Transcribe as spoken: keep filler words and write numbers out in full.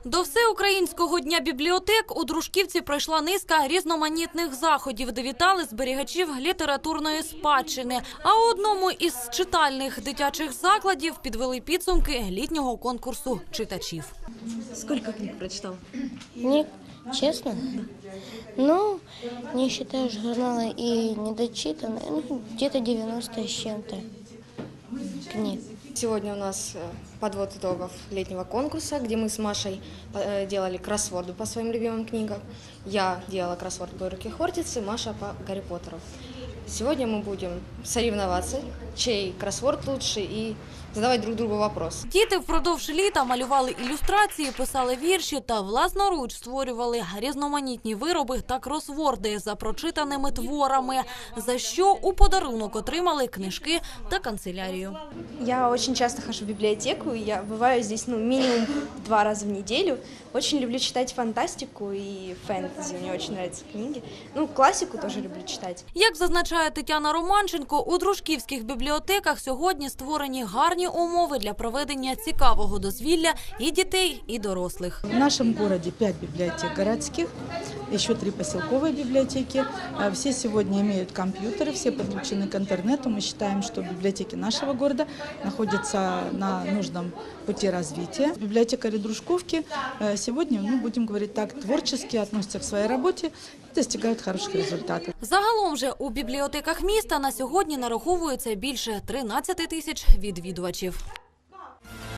До Всеукраїнського дня бібліотек у Дружківці пройшла низка різноманітних заходів, де вітали зберігачів літературної спадщини. А у одному із читальних дитячих закладів підвели підсумки літнього конкурсу читачів. Сколько книг прочитал? Не, честно? Ну, не считая журнала и недочитанные, ну, где-то девяносто с чем-то книг. Сегодня у нас подвод итогов летнего конкурса, где мы с Машей делали кроссворды по своим любимым книгам. Я делала кроссворд по «Руки Хортицы», Маша по «Гарри Поттеру». Сегодня мы будем соревноваться, чей кроссворд лучше, и задавати друг другу вопрос. Діти впродовж літа малювали ілюстрації, писали вірші та власноруч створювали різноманітні вироби та кросворди за прочитаними творами, за що у подарунок отримали книжки та канцелярію. Я очень часто хожу в библиотеку, я бываю здесь ну, минимум два раза в неделю. Очень люблю читать фантастику и фэнтези, мне очень нравятся книги. Ну, классику тоже люблю читать. Як зазначає Тетяна Романченко, у дружківських бібліотеках сьогодні створені гарні умови для проведення цікавого дозвілля і дітей, і дорослих. В нашем городе пять библиотек городских, еще три поселковые библиотеки. Все сегодня имеют компьютеры, все подключены к интернету. Мы считаем, что библиотеки нашего города находятся на нужном пути развития. Библиотекари Дружковки сегодня, ну, будем говорить так, творчески относятся к своей работе и достигают хороших результатов. Загалом же у бібліотеках міста на сьогодні нараховується більше тринадцяти тисяч відвідувачів.